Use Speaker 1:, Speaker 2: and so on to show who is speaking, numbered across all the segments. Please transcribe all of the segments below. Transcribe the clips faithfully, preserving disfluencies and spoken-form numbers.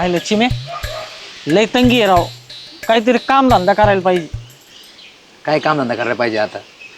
Speaker 1: आयलं चिमे लय तंगी आहे राव. काहीतरी काम धंदा करायला पाहिजे.
Speaker 2: काय काम धंदा करायला पाहिजे आता?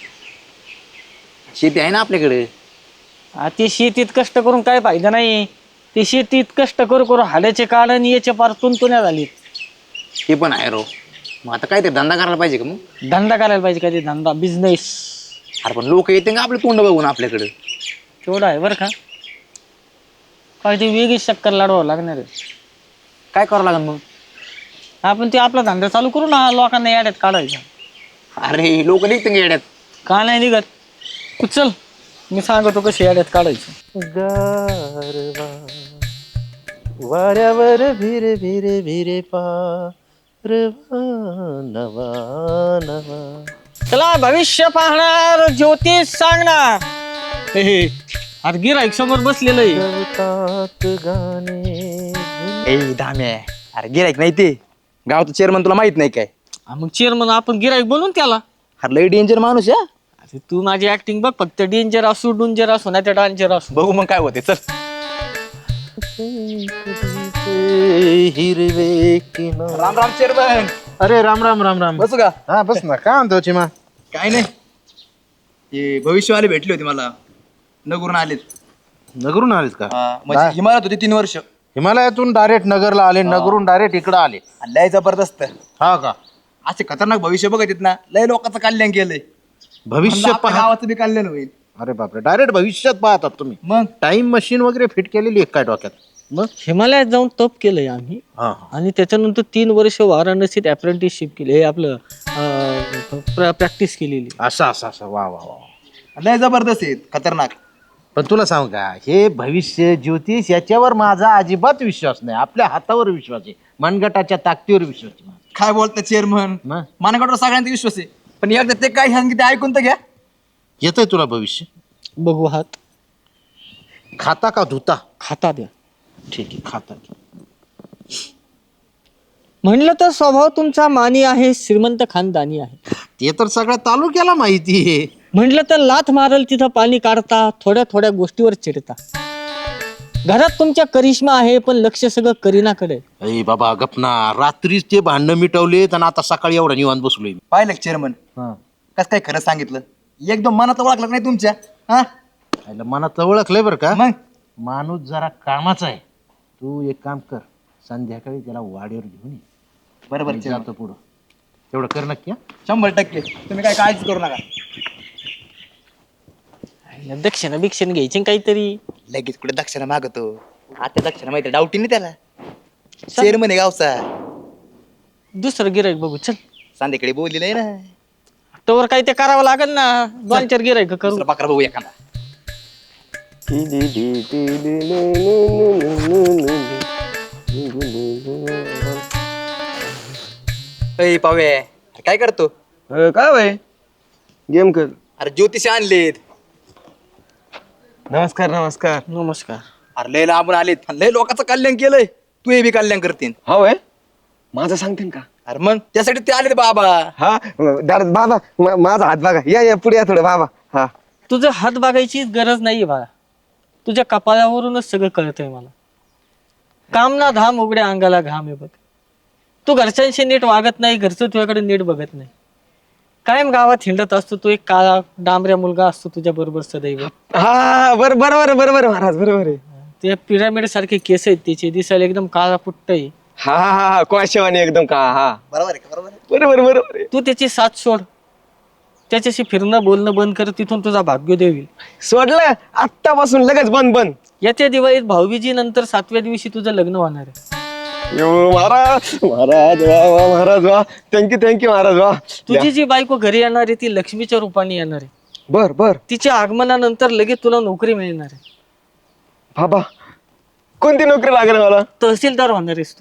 Speaker 2: शेती आहे ना आपल्याकडे.
Speaker 1: आ, ते शेतीत कष्ट करून काय फायदा नाही. ते शेतीत कष्ट करू करू हाड्याचे काढ आणि याचे पार तुंतुण्या झाली.
Speaker 2: ते पण आहे रो. मग आता काय ते धंदा करायला पाहिजे का मग?
Speaker 1: धंदा करायला पाहिजे काहीतरी धंदा बिझनेस.
Speaker 2: अरे पण लोक येते का आपले तोंड बघून आपल्याकडे?
Speaker 1: तेवढं आहे बरं का. काहीतरी वेगळी चक्कर लाडवावं लागणार आहे.
Speaker 2: काय करावं लागेल मग?
Speaker 1: आपण ते आपला धंदा चालू करू ना, लोकांना याड्यात काढायचा.
Speaker 2: अरे लोक निघते का येड्यात?
Speaker 1: का नाही निघत? तू चल मी सांगतो कशी याड्यात काढायचं.
Speaker 3: गारवा वाऱ्यावर भिरे भिरे भिरे पारवा नवा नवा.
Speaker 1: चला भविष्य पाहणार ज्योतिष सांगणार. हे हे अरे गिराईक समोर बसलेलं आहे.
Speaker 3: गवतात गाणे
Speaker 2: ए धाम्या, अरे गिरायक नाही ते गावचं चेअरमन, तुला माहित नाही काय?
Speaker 1: हा, मग चेअरमन आपण गिराईक बनवून त्याला.
Speaker 2: अरे लय डेंजर माणूस या.
Speaker 1: अरे तू माझी ऍक्टिंग बघ, फक्त डेंजर असू डुंजर असू नाही तर डांजर असू.
Speaker 2: बघू मग काय होते. चल.
Speaker 3: हिरवे किनारे.
Speaker 2: राम राम चेअरमन.
Speaker 3: अरे राम राम राम राम.
Speaker 2: बसू का?
Speaker 3: हा बस ना. काय म्हणतो चिमा?
Speaker 2: काय नाही, ते भविष्यवाले भेटले होते मला, नगरून आलेत.
Speaker 3: नगरून आलेत का?
Speaker 2: म्हणजे हिमालयात होते तीन वर्ष.
Speaker 3: हिमालयातून डायरेक्ट नगरला आले, नगरून डायरेक्ट इकडे आले.
Speaker 2: लय जबरदस्त.
Speaker 3: हा का?
Speaker 2: असे खतरनाक भविष्य बघत आहेत ना, लय लोकांचं कल्याण केलंय.
Speaker 3: भविष्य
Speaker 2: म्हणलं आपल्या
Speaker 3: पहा.
Speaker 2: गावाचं बी कल्याण होईल.
Speaker 3: अरे बापरे, डायरेक्ट भविष्यात पाहतात तुम्ही.
Speaker 2: मग
Speaker 3: टाइम मशीन वगैरे फिट केलेली आहे काय डोक्यात?
Speaker 1: मग हिमालयात जाऊन तप केलंय आम्ही.
Speaker 3: हा
Speaker 1: आणि त्याच्यानंतर तीन वर्ष वाराणसीत अप्रेंटिसशिप केली. हे आपलं प्रॅक्टिस केलेली.
Speaker 3: असं असं असं वा वा वा.
Speaker 2: लय जबरदस्त आहेत, खतरनाक.
Speaker 3: पण तुला सांग का, हे भविष्य ज्योतिष याच्यावर माझा अजिबात विश्वास नाही. आपल्या हातावर विश्वास आहे, मनगटाच्या ताकदीवर विश्वास आहे.
Speaker 2: काय बोलता चेअरमन?
Speaker 3: मग?
Speaker 2: मानगडवर सगळ्यांचा विश्वास आहे, पण एकदा ते काय सांगितलं ते ऐकून तर घ्या.
Speaker 3: येतंय तुला भविष्य?
Speaker 1: बघू हात
Speaker 3: खाता का धुता?
Speaker 1: खाता द्या.
Speaker 3: ठीक आहे, खाता.
Speaker 1: म्हणलं तर स्वभाव तुमचा मानी आहे, श्रीमंत खानदानी आहे.
Speaker 3: ते तर सगळ्या तालुक्याला माहिती आहे.
Speaker 1: म्हणलं तर लाथ मारल तिथं पाणी काढता, थोड्या थोड्या गोष्टीवर चिडता. घरात तुमच्या करिश्मा आहे, पण लक्ष सगळं करीनाकडे.
Speaker 3: अरे बाबा गपना, रात्रीच ते भांडणं मिटवलेत आणि आता सकाळी एवढा निवांत बसलोय मी.
Speaker 2: पाहिलं चेअरमन कस काय खरं सांगितलं? एकदम मनात ओळखलं नाही तुमच्या. हा
Speaker 3: आईला मनात ओळखलंय बरं का.
Speaker 2: मग
Speaker 3: माणूस जरा कामाचा आहे. तू एक काम कर, संध्याकाळी त्याला वाड्यावर घेऊन ये.
Speaker 2: बरोबर
Speaker 3: मी
Speaker 2: chairman.
Speaker 3: जातो पुढं. तेवढं कर नक्की हा?
Speaker 2: शंभर टक्के. तुम्ही काय काळजी करू नका.
Speaker 1: दक्षिणा बिक्षण घ्यायची काहीतरी.
Speaker 2: लगेच कुठे दक्षिणा मागतो? आता दक्षिणा माहिती डाऊटी नाही त्याला. चेअरमन आहे गावचा.
Speaker 1: दुसरं गिराईक बघू चल.
Speaker 2: संध्याकाळी बोललेलं आहे ना.
Speaker 1: तोवर काही ते करावं लागेल ना. दोन चार गिराईक करू.
Speaker 2: दुसरा बकरा बघू एखादा. अय पावे, अरे काय करतो?
Speaker 4: काय भाई गेम कर.
Speaker 2: अरे ज्योतिष आणलेत.
Speaker 4: नमस्कार नमस्कार.
Speaker 1: नमस्कार.
Speaker 2: अरे लय लांबून आलेत, पण लय लोकांचं कल्याण केलंय. तू हे बी कल्याण करतील.
Speaker 4: हा वय माझं सांगते का?
Speaker 2: अरे मग त्यासाठी ते आलेत बाबा.
Speaker 4: हा दादा बाबा मा- माझा हात बघा. या या पुढे या थोडं बाबा. हा
Speaker 1: तुझं हात बघायची गरज नाहीये बाळा. तुझ्या कपाळावरूनच सगळं कळतंय मला. काम ना धाम उघड्या अंगाला घाम आहे बघ. तू घरच्यांशी नीट वागत नाही, घरचं तुझ्याकडे नीट बघत नाही. कायम गावात हिंडत असतो. तू एक काळा डांबऱ्या मुलगा असतो तुझ्या बरोबर सदैव.
Speaker 4: हा बर बरोबर बरोबर महाराज बरोबर आहे.
Speaker 1: ते पिरामिड सारखे केस आहेत त्याचे, दिसायला एकदम काळा पुट्ट आहे.
Speaker 4: हा हा हा कोळशेवाणी एकदम का. हा
Speaker 2: बरोबर आहे का? बरोबर आहे.
Speaker 4: बरोबर बरोबर आहे.
Speaker 1: तू त्याची साथ सोड. त्याच्याशी फिरणं बोलणं बंद कर. तिथून तुझा भाग्योदय होईल.
Speaker 4: सोडलं आत्तापासून लगेच बंद बंद.
Speaker 1: येत्या दिवाळीत भाऊबीजी नंतर सातव्या दिवशी तुझं लग्न होणार आहे.
Speaker 4: यो महाराज महाराज वा वा महाराज वा. थँक्यू थँक्यू महाराज वा.
Speaker 1: तुझी जी बायको घरी येणार आहे ती लक्ष्मीच्या रूपाने येणार आहे.
Speaker 4: बर बर
Speaker 1: तिच्या आगमनानंतर लगेच तुला नोकरी मिळणार आहे.
Speaker 4: बाबा कोणती नोकरी लागेल मला?
Speaker 1: तहसीलदार होणार आहेस तू.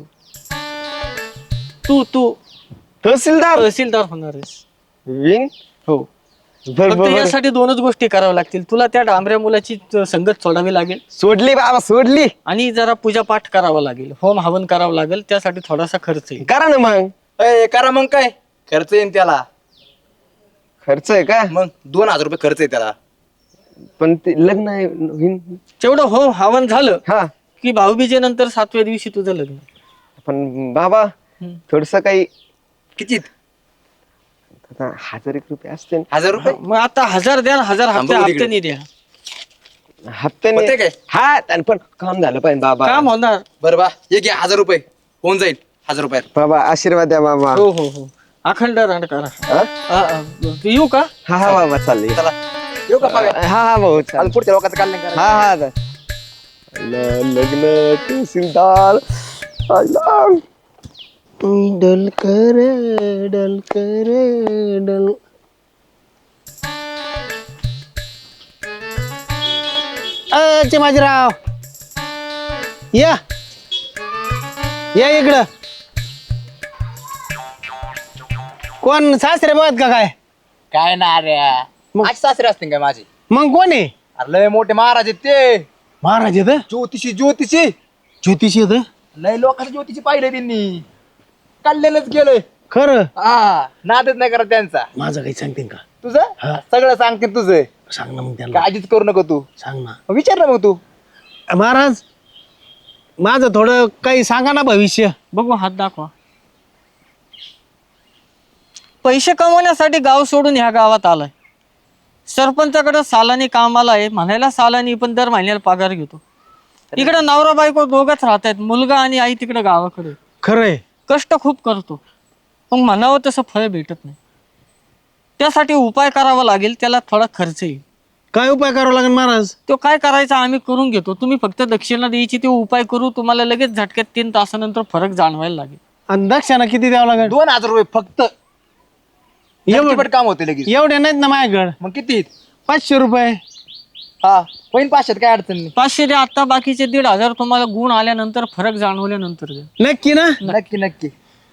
Speaker 1: तू तू
Speaker 4: तहसीलदार
Speaker 1: तहसीलदार होणार आहेस.
Speaker 4: विंग.
Speaker 1: हो.
Speaker 4: बर
Speaker 1: फक्त
Speaker 4: बर
Speaker 1: यासाठी दोनच गोष्टी कराव्या लागतील. तुला त्या डांबऱ्या मुलाची संगत सोडावी लागेल
Speaker 4: सोडली बाबा सोडली.
Speaker 1: आणि जरा पूजा पाठ करावा लागेल. होम हवन करावं लागेल. त्यासाठी थोडासा खर्च येईल.
Speaker 4: करा ना मग.
Speaker 2: अय करा मग काय खर्च येईन त्याला.
Speaker 4: खर्च आहे का?
Speaker 2: मग दोन हजार रुपये खर्च आहे त्याला.
Speaker 4: पण ते लग्न आहे होईन.
Speaker 1: तेवढं होम हवन झालं
Speaker 4: हा
Speaker 1: की भाऊबीजेनंतर सातव्या दिवशी तुझं लग्न.
Speaker 4: पण बाबा
Speaker 1: हम्म.
Speaker 4: थोडस काही
Speaker 2: किती
Speaker 4: आता हजार एक रुपये असते
Speaker 2: हजार रुपये
Speaker 1: मग आता हजार द्या ना, हजार
Speaker 2: थांबा
Speaker 1: हप्ते
Speaker 2: बघू तिकडे.
Speaker 1: हप्त्याने द्या.
Speaker 4: हप्त्याने
Speaker 2: होते काय?
Speaker 4: हा आणि पण काम झालं पाहिजे बाबा.
Speaker 1: काम होणार.
Speaker 2: बरं बा ये घ्या हजार रुपये होऊन जाईल हजार रुपयात.
Speaker 4: बाबा आशीर्वाद द्या बाबा.
Speaker 1: हो हो हो अखंड रांड करा.
Speaker 4: हा?
Speaker 1: हा, हा. येऊ का?
Speaker 4: हा हा बाबा चालले.
Speaker 2: चला येऊ का पाव्या?
Speaker 4: हा हा भाऊ
Speaker 2: आज
Speaker 4: चालेल.
Speaker 2: पुढच्या लोकांचं कल्याण करा.
Speaker 4: हा हा चा- ल- लग्न तहसीलदार आला. डलकर डलकर डल
Speaker 3: अ माझराव या या इकडं. कोण सासरे बघत का काय?
Speaker 2: काय ना रे आज सासरे असतील काय माझे?
Speaker 3: मग कोण आहे?
Speaker 2: अरे लय मोठे महाराज आहेत ते
Speaker 3: महाराज येत
Speaker 2: ज्योतिषी ज्योतिषी
Speaker 3: ज्योतिषी येत
Speaker 2: लय लोकांचं ज्योतिषी पाहिलंय त्यांनी कल्याणच गेलंय.
Speaker 3: खरं
Speaker 2: हा नादच नाही करत त्यांचा.
Speaker 3: माझं काही सांगते का?
Speaker 2: तुझं
Speaker 3: हा.
Speaker 2: सगळं सांगते तुझं
Speaker 3: सांग ना मग त्याला.
Speaker 2: काळजीच करू नको तू.
Speaker 3: सांग ना
Speaker 2: विचार ना मग तू.
Speaker 3: महाराज माझं थोडं काही सांगा ना भविष्य.
Speaker 1: बघू हात दाखवा. पैसे कमवण्यासाठी गाव सोडून ह्या गावात आलाय. सरपंचाकडे सालानी कामाला आहे, म्हणायला सालानी पण दर महिन्याला पगार घेतो. इकडे नवरा बायको दोघच राहत आहेत, मुलगा आणि आई तिकडे गावाकडे.
Speaker 3: खरंय
Speaker 1: कष्ट खूप करतो पण म्हणावं तसं फळ भेटत नाही. त्यासाठी उपाय करावा लागेल, त्याला थोडा खर्च येईल.
Speaker 3: काय उपाय करावा लागेल महाराज?
Speaker 1: तो काय करायचा आम्ही करून घेतो, तुम्ही फक्त दक्षिणा द्यायची, ते उपाय करू. तुम्हाला लगेच झटक्यात तीन तासानंतर फरक जाणवायला लागेल.
Speaker 3: आणि दक्षिणा किती द्यावं लागेल?
Speaker 2: दोन हजार रुपये फक्त
Speaker 3: एवढं
Speaker 2: झटपट काम होते लगेच.
Speaker 3: एवढे नाहीत ना माझ्याकडे.
Speaker 2: मग किती?
Speaker 3: पाचशे रुपये.
Speaker 2: हा होईन पाचशेत काय अडचण नाही.
Speaker 1: पाचशे द्या आता, बाकीचे दीड हजार तुम्हाला गुण आल्यानंतर फरक जाणवल्यानंतर द्या.
Speaker 3: नक्की ना?
Speaker 2: नक्की नक्की.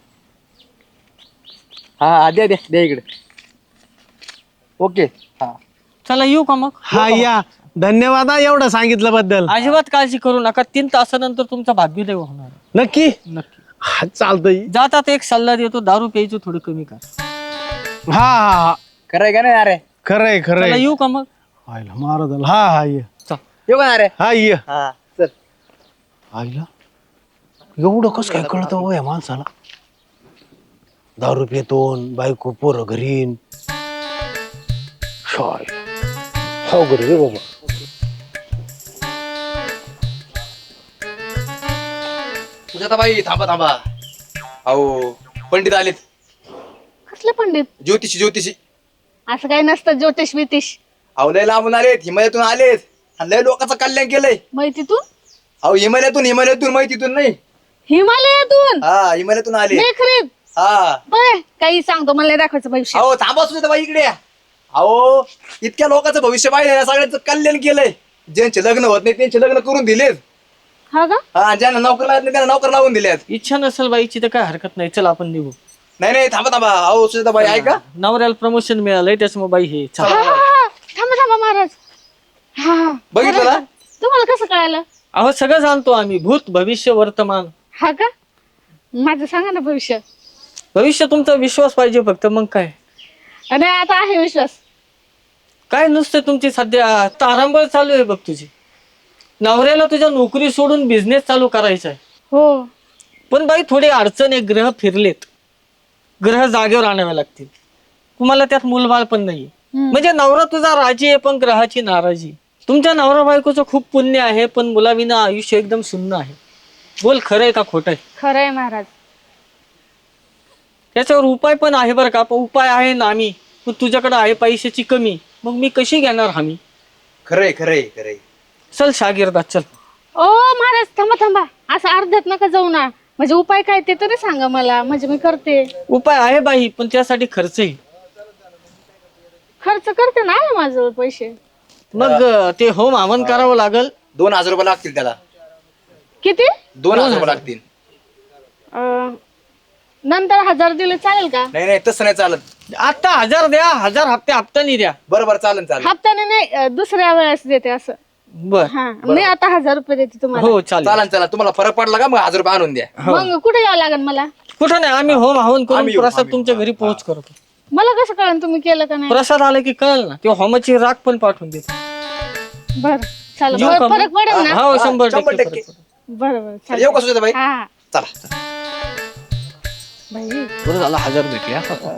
Speaker 2: हा हा द्या द्या द्या इकडे. ओके हा
Speaker 1: चला येऊ का मग?
Speaker 3: हा या धन्यवाद हा एवढं सांगितलं बद्दल.
Speaker 1: अजिबात काळजी करू नका, तीन तासानंतर तुमचा भाग्योदय होणार आहे.
Speaker 3: नक्की
Speaker 1: नक्की.
Speaker 3: हा चालतंय.
Speaker 1: जातात एक सल्ला देतो, दारू प्यायचं थोडं कमी कर.
Speaker 3: हा हा हा
Speaker 2: खरंय का नाही अरे?
Speaker 3: खरंय
Speaker 1: चला
Speaker 3: खरंय.
Speaker 1: येऊ का मग?
Speaker 3: आईला महाराज आला. हा हा ये.
Speaker 1: चल.
Speaker 2: येऊ का अरे?
Speaker 3: हा ये.
Speaker 2: हा चल.
Speaker 3: आईला एवढं कसं काय कळतं हो या माणसाला? दारू पितो बायको पोरं घरीन. शाय हो घरी रे बाबा.
Speaker 2: तुझ्या आता बाई थांबा थांबा. अहो पंडित आलेत.
Speaker 5: कसले पंडित?
Speaker 2: ज्योतिषी ज्योतिषी.
Speaker 5: असं काही नसतं ज्योतिष बितिष.
Speaker 2: अहो लय लांबून आलेत, हिमालयातून आलेत आणि लय लोकांचं कल्याण केलंय.
Speaker 5: माहितीतून?
Speaker 2: अहो हिमालयातून हिमालयातून माहितीतून नाही.
Speaker 5: हिमालयातून?
Speaker 2: हा हिमालयातून आले.
Speaker 5: खरीद
Speaker 2: हा
Speaker 5: बरं काही सांगतो, मला दाखवायचं भविष्य.
Speaker 2: अहो थांबा सुद्धा बाई इकडे या. अहो इतक्या लोकांचं भविष्य पाहिजे ना, सगळ्यांचं कल्याण केलंय. ज्यांचे लग्न होत नाही त्यांचे लग्न करून दिलेत.
Speaker 5: हा का?
Speaker 2: हा ज्यांना नोकर लागत नाही त्यांना नोकर लावून दिल्यात.
Speaker 1: इच्छा नसेल बाईची तर काय हरकत नाही, चल आपण निघू.
Speaker 2: नाही नाही थांबा थांबा. अहो सुद्धा बाई ऐका.
Speaker 1: नवऱ्याला प्रमोशन मिळालंय त्याच्यामुळे बाई हे
Speaker 5: हा,
Speaker 1: चला.
Speaker 5: हा, हा. थांबा थांबा महाराज. हा हा.
Speaker 2: बघितलं ना?
Speaker 5: तुम्हाला कसं कळालं?
Speaker 1: अहो सगळं जाणतो आम्ही, भूत भविष्य वर्तमान.
Speaker 5: हा का? माझं सांगा ना भविष्य.
Speaker 1: भविष्य तुमचा विश्वास पाहिजे फक्त, मग काय.
Speaker 5: आणि आता आहे विश्वास.
Speaker 1: काय नुसतं तुमची सध्या तारांबळ चालू आहे बघ तुझी. नवऱ्याला तुझ्या नोकरी सोडून बिझनेस चालू करायचा आहे.
Speaker 5: हो.
Speaker 1: पण बाई थोडी अडचण आहे, ग्रह फिरलेत, ग्रह जागेवर आणावे लागतील. तुम्हाला त्यात मूलबाळ पण नाहीये. म्हणजे नवरा तुझा राजी आहे पण ग्रहाची नाराजी. तुमच्या नवरा बायकोचं खूप पुण्य आहे पण मुलाविना आयुष्य एकदम शून्य आहे. बोल खरंय का खोटंय?
Speaker 5: खरंय महाराज.
Speaker 1: त्याच्यावर उपाय पण आहे बरं का. पण उपाय आहे ना आम्ही, पण तुझ्याकडे आहे पैशाची कमी, मग मी कशी घेणार हमी?
Speaker 2: खरंय खरंय खरंय.
Speaker 1: चल शागिर्दात चल.
Speaker 5: ओ महाराज थांबा थांबा, असं अर्ध्यात नका जाऊ ना. म्हणजे उपाय काय ते तरी सांगा मला, म्हणजे मी करते.
Speaker 1: उपाय आहे बाई पण त्यासाठी खर्च येईल.
Speaker 5: खर्च करते ना माझं पैसे.
Speaker 1: मग ते होम हवन करावं लागल.
Speaker 2: दोन हजार रुपये लागतील त्याला.
Speaker 5: किती?
Speaker 2: दोन हजार रुपये लागतील.
Speaker 5: अं, नंतर हजार दिले चालेल का?
Speaker 2: नाही नाही तसं नाही चालत.
Speaker 1: आता हजार द्या, हजार हप्ते हप्त्यानी द्या.
Speaker 2: बरं बरं चालेल चालेल.
Speaker 5: हप्त्याने नाही, अं, दुसऱ्या वेळेस देते असं.
Speaker 1: बर
Speaker 5: हा मी आता हजार रुपये देते तुम्हाला.
Speaker 1: हो चालेल.
Speaker 2: चालेल चालेल. तुम्हाला फरक पडला का मग हजार रुपये आणून द्या.
Speaker 5: मग कुठे यावं लागेल मला?
Speaker 1: कुठं नाही, आम्ही होम हवन करून
Speaker 2: आम्ही येऊ,
Speaker 1: प्रसाद
Speaker 2: आम्ही
Speaker 1: तुमच्या
Speaker 2: येऊ.
Speaker 1: घरी पोहोच करतो.
Speaker 5: मला कसं कळलं तुम्ही केलं का नाही?
Speaker 1: प्रसाद आला की कळल ना. ते होमाची राख पण पाठवून देतो.
Speaker 5: बर चालेल.
Speaker 1: येऊ
Speaker 5: बरं,
Speaker 1: का मग?
Speaker 5: फरक पडेल ना?
Speaker 1: हो शंभर
Speaker 2: शंभर
Speaker 1: टक्के
Speaker 2: टक्के.
Speaker 1: फरक पडेल.
Speaker 5: बरं बरं
Speaker 2: येऊ का
Speaker 5: चालेल.
Speaker 2: सुजाता बाई?
Speaker 5: हा
Speaker 2: चला.
Speaker 5: बाई
Speaker 1: बरं झालं हजार भेटले हा.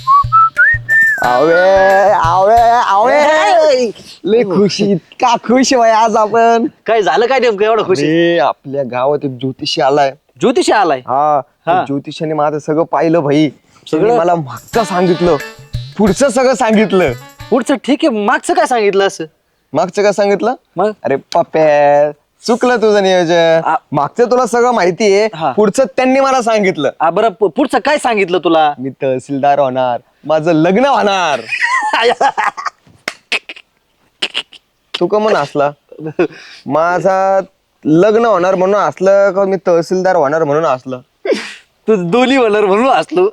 Speaker 4: आवळे आवळे आवळे लय खुशी का खुश भाई आज आपण.
Speaker 6: काय झालं काय नेमकं एवढं खुशी?
Speaker 4: अरे, आपल्या गावात एक ज्योतिषी आलाय.
Speaker 6: ज्योतिषी आलाय?
Speaker 4: हा त्या ज्योतिषाने माझं सगळं पाहिलं भाई. सगळं मला मागचं सांगितलं, पुढचं सगळं सांगितलं.
Speaker 6: पुढचं ठीक आहे, मागचं काय सांगितलं असं?
Speaker 4: मागचं काय सांगितलं?
Speaker 6: मग
Speaker 4: अरे पप्प्या, चुकलं तुझं नियोजन.
Speaker 6: आ-
Speaker 4: मागचं तुला सगळं माहितीये,
Speaker 6: हा.
Speaker 4: पुढचं त्यांनी मला सांगितलं.
Speaker 6: आ, बरं प- पुढचं काय सांगितलं तुला?
Speaker 4: मी तहसीलदार होणार, माझं लग्न होणार. तू का म्हणून हसला? माझा लग्न होणार म्हणून हसलं का मी तहसीलदार होणार म्हणून हसलं?
Speaker 6: तू दोन्ही वलर म्हणून असलो.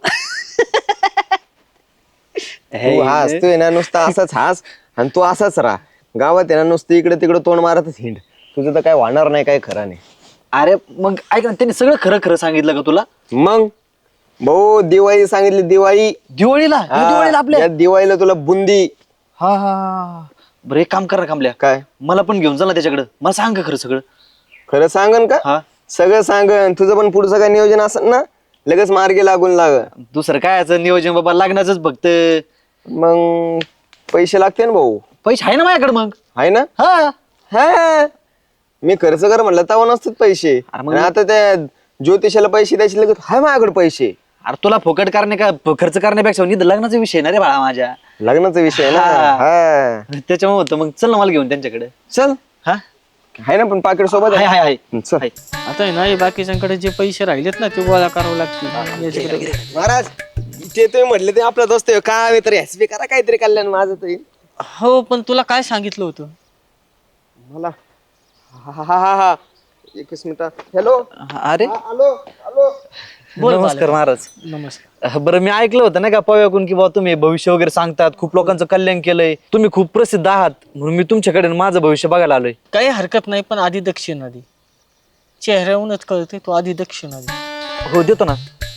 Speaker 4: तू हसतोय ना नुसता असाच हास आणि तू असाच राहा. गावात आहे ना नुसतं इकडे तिकडे तोंड मारतच हिंड. तुझं तर काय होणार नाही, काय खरं नाही.
Speaker 6: अरे मग ऐक ना, त्यांनी सगळं खरं खरं सांगितलं का तुला?
Speaker 4: मग भाऊ दिवाळी सांगितली, दिवाळी.
Speaker 6: दिवाळीला या दिवाळीला
Speaker 4: हा,
Speaker 6: आपल्या
Speaker 4: या दिवाळीला तुला बुंदी.
Speaker 6: हा हा बरं एक काम कर ना कांबल्या,
Speaker 4: काय
Speaker 6: मला पण घेऊन जा ना त्याच्याकडे. मला सांग का खरं सगळं?
Speaker 4: खरं सांगन का?
Speaker 6: हा
Speaker 4: सगळं सांगन. तुझं पण पुढचं काय नियोजन असेल ना, लगेच मार्गी लागून लाग.
Speaker 6: दुसरं काय याचं नियोजन बाबा, लागण्याच फक्त.
Speaker 4: मग पैसे लागते ना भाऊ.
Speaker 6: पैसे आहे ना माझ्याकडे मग.
Speaker 4: आहे ना?
Speaker 6: हा
Speaker 4: हा मी खर्च कर म्हणलं तेव्हा नसतात पैसे.
Speaker 6: अरे मग-
Speaker 4: आणि आता त्या ज्योतिषाला पैसे द्यायचे लगेच हाय माझ्याकडे पैसे.
Speaker 6: अरे तुला फोकट करणे का खर्च करण्यापेक्षा निध लग्नाचा विषय ना रे बाळा माझ्या.
Speaker 4: लग्नाचा विषय आहे ना.
Speaker 6: हा.
Speaker 4: हा
Speaker 6: त्याच्यामुळे होतं मग. चल ना मला घेऊन त्यांच्याकडे.
Speaker 4: चल.
Speaker 6: हा
Speaker 4: आहे ना पण पाकिट सोबत
Speaker 6: हाय
Speaker 4: आहे.
Speaker 6: हाय हाय
Speaker 4: चल.
Speaker 6: हाय.
Speaker 1: आता आहे ना हे बाकीच्यांकडे जे पैसे राहिलेत ना ते गोळा करावे लागतील याच्याकडे.
Speaker 4: महाराज ते तुम्ही म्हटले ते आपला दोस्त आहे. काय तरी एस बी करा काहीतरी कल्याण माझं तरी.
Speaker 1: हो पण तुला काय सांगितलं होतं?
Speaker 4: मला हा हा हा हा एकच मिनिट. हॅलो.
Speaker 6: अरे
Speaker 4: हॅलो हॅलो.
Speaker 1: बोल
Speaker 6: नमस्कार महाराज.
Speaker 1: नमस्कार.
Speaker 6: बरं मी ऐकलं होतं ना का पव्याकून की बाबा तुम्ही भविष्य वगैरे सांगतात, खूप लोकांचं कल्याण केलंय, तुम्ही खूप प्रसिद्ध आहात, म्हणून मी तुमच्याकडे माझं भविष्य बघायला आलोय.
Speaker 1: काही हरकत नाही पण आधी दक्षिणा दे. चेहऱ्याहूनच कळते तो आधी दक्षिणा दे.
Speaker 6: हो देतो ना.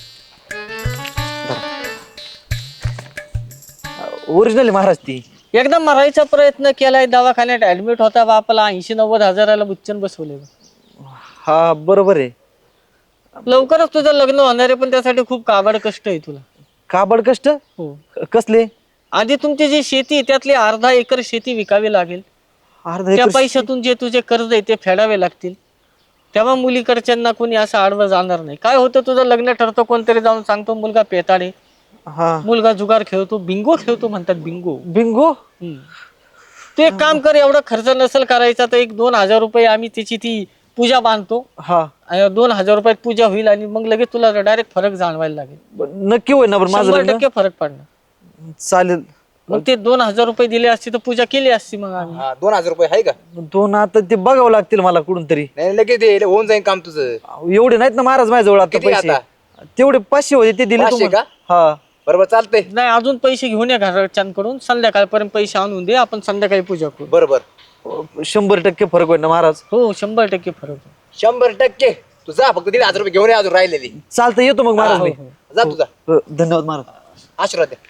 Speaker 6: ओरिजिनल महाराज ती.
Speaker 1: एकदा मरायचा प्रयत्न केलाय, दवाखान्यात ऍडमिट होता बापाला ऐंशी नव्वद हजाराला बुच्चन बसवले.
Speaker 6: हा बरोबर आहे.
Speaker 1: लवकरच तुझं लग्न होणार आहे पण त्यासाठी खूप काबाड कष्ट आहे तुला.
Speaker 6: काबड कष्ट?
Speaker 1: हो.
Speaker 6: कसले?
Speaker 1: आधी तुमची जी शेती आहे त्यातली अर्धा एकर शेती विकावी लागेल.
Speaker 6: अर्धा
Speaker 1: त्या
Speaker 6: एकर
Speaker 1: पैशातून जे तुझे कर्ज आहे ते फेडावे लागतील. तेव्हा मुलीकडच्यांना कोणी असं आडवं जाणार नाही. काय होतं तुझं लग्न ठरतं, कोणतरी जाऊन सांगतो मुलगा पेताडे,
Speaker 6: हा
Speaker 1: मुलगा जुगार खेळतो, बिंगो खेळतो म्हणतात. बिंगो.
Speaker 6: बिंगो.
Speaker 1: हम्म. तू एक काम कर, एवढा खर्च नसेल करायचा तर एक दोन हजार रुपये आम्ही त्याची ती पूजा बांधतो.
Speaker 6: हा
Speaker 1: आणि दोन हजार रुपयात पूजा होईल आणि मग लगेच तुला डायरेक्ट फरक जाणवायला लागेल.
Speaker 6: नक्की होईल ना बरं माझं
Speaker 1: शंभर
Speaker 6: लग्न?
Speaker 1: टक्के फरक पडणार.
Speaker 6: चालेल.
Speaker 1: मग ते दोन हजार रुपये दिले असते तर पूजा केली असती मग आम्ही.
Speaker 2: हा दोन हजार रुपये आहे का?
Speaker 6: दोन आता ते बघावं लागतील मला कुठून तरी.
Speaker 2: नाही लगेच दे, होऊन जाईल काम तुझं.
Speaker 6: एवढे नाहीत ना महाराज माझ्याजवळ आता
Speaker 2: किती
Speaker 6: पैसे.
Speaker 2: आता?
Speaker 6: तेवढे पाचशे होते ते दिले
Speaker 2: पाचशे
Speaker 6: तुम्हाला. हा
Speaker 2: बरोबर चालतंय.
Speaker 1: नाही अजून पैसे घेऊन या घरच्यांकडून, संध्याकाळपर्यंत पैसे आणून दे, आपण संध्याकाळी पूजा करू.
Speaker 2: बरोबर
Speaker 6: शंभर टक्के फरक होईल ना महाराज?
Speaker 1: हो शंभर टक्के फरक आहे.
Speaker 2: शंभर टक्के. तू जा फक्त दीड हजार रुपये घेऊन ये अजून राहिलेली.
Speaker 6: चालतं येतो मग महाराज
Speaker 1: हो,
Speaker 6: मी.
Speaker 1: हो.
Speaker 2: जा तुझा.
Speaker 6: हो, धन्यवाद महाराज.
Speaker 2: आशीर्वाद द्या.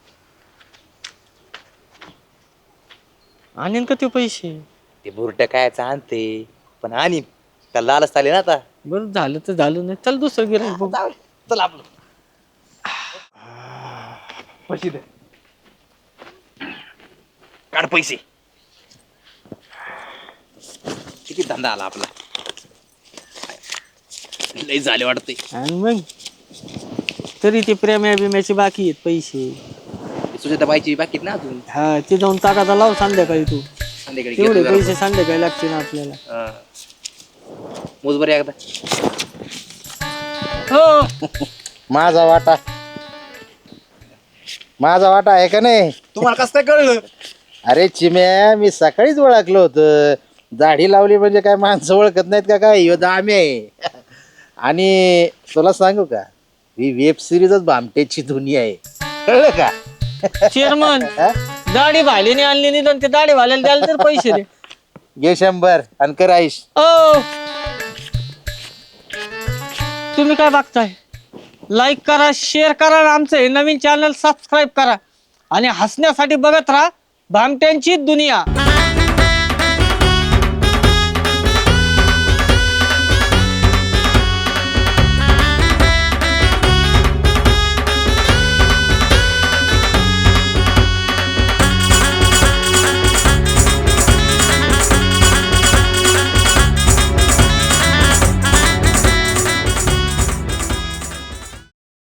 Speaker 1: आणीन का ते पैसे?
Speaker 2: ते बुरट काय आणते पण आणि त्याला लालच चालेल ना आता.
Speaker 1: बरं झालं तर झालं, नाही चल दुसरं गिऱ्हाईक बघू.
Speaker 2: जाऊ दे. चल आपलं पैसे दे. काढ पैसे. किती धंदा आला आपला. लई झाले वाटते.
Speaker 1: आणि मग तरी ते प्रेम्या बिम्याचे बाकी आहेत पैसे.
Speaker 2: सुजाता बाईची बाकी ना अजून.
Speaker 1: हा ते जाऊन टाकाचा लाव संध्याकाळी तू.
Speaker 2: संध्याकाळी
Speaker 1: तेवढे
Speaker 2: घेतो
Speaker 1: पैसे संध्याकाळी लागतील आपल्याला.
Speaker 2: जरा. हा. मोज बरं एकदा.
Speaker 1: हो
Speaker 7: माझा वाटा माझा वाटा आहे का नाही?
Speaker 2: तुम्हाला कसं काय कळलं?
Speaker 7: अरे चिम्या, मी सकाळीच ओळखलं होतं. दाढी लावली म्हणजे काय माणसं ओळखत नाहीत का काय? ह्यो दामी आहे. आणि तुला सांगू का, ही वेब सिरीजच भामटेची दुनिया आहे, कळलं का?
Speaker 1: चेअरमन दाढी भालेने आणली नाही तर ते दाढी भाल्याला द्यायला तर पैसे दे.
Speaker 7: घे शंभर आणि कर आईश.
Speaker 1: ओ तुम्ही काय बघताय? लाईक करा, शेअर करा आणि आमचं हे नवीन चॅनल सबस्क्राईब करा आणि हसण्यासाठी बघत राहा भामट्यांची दुनिया.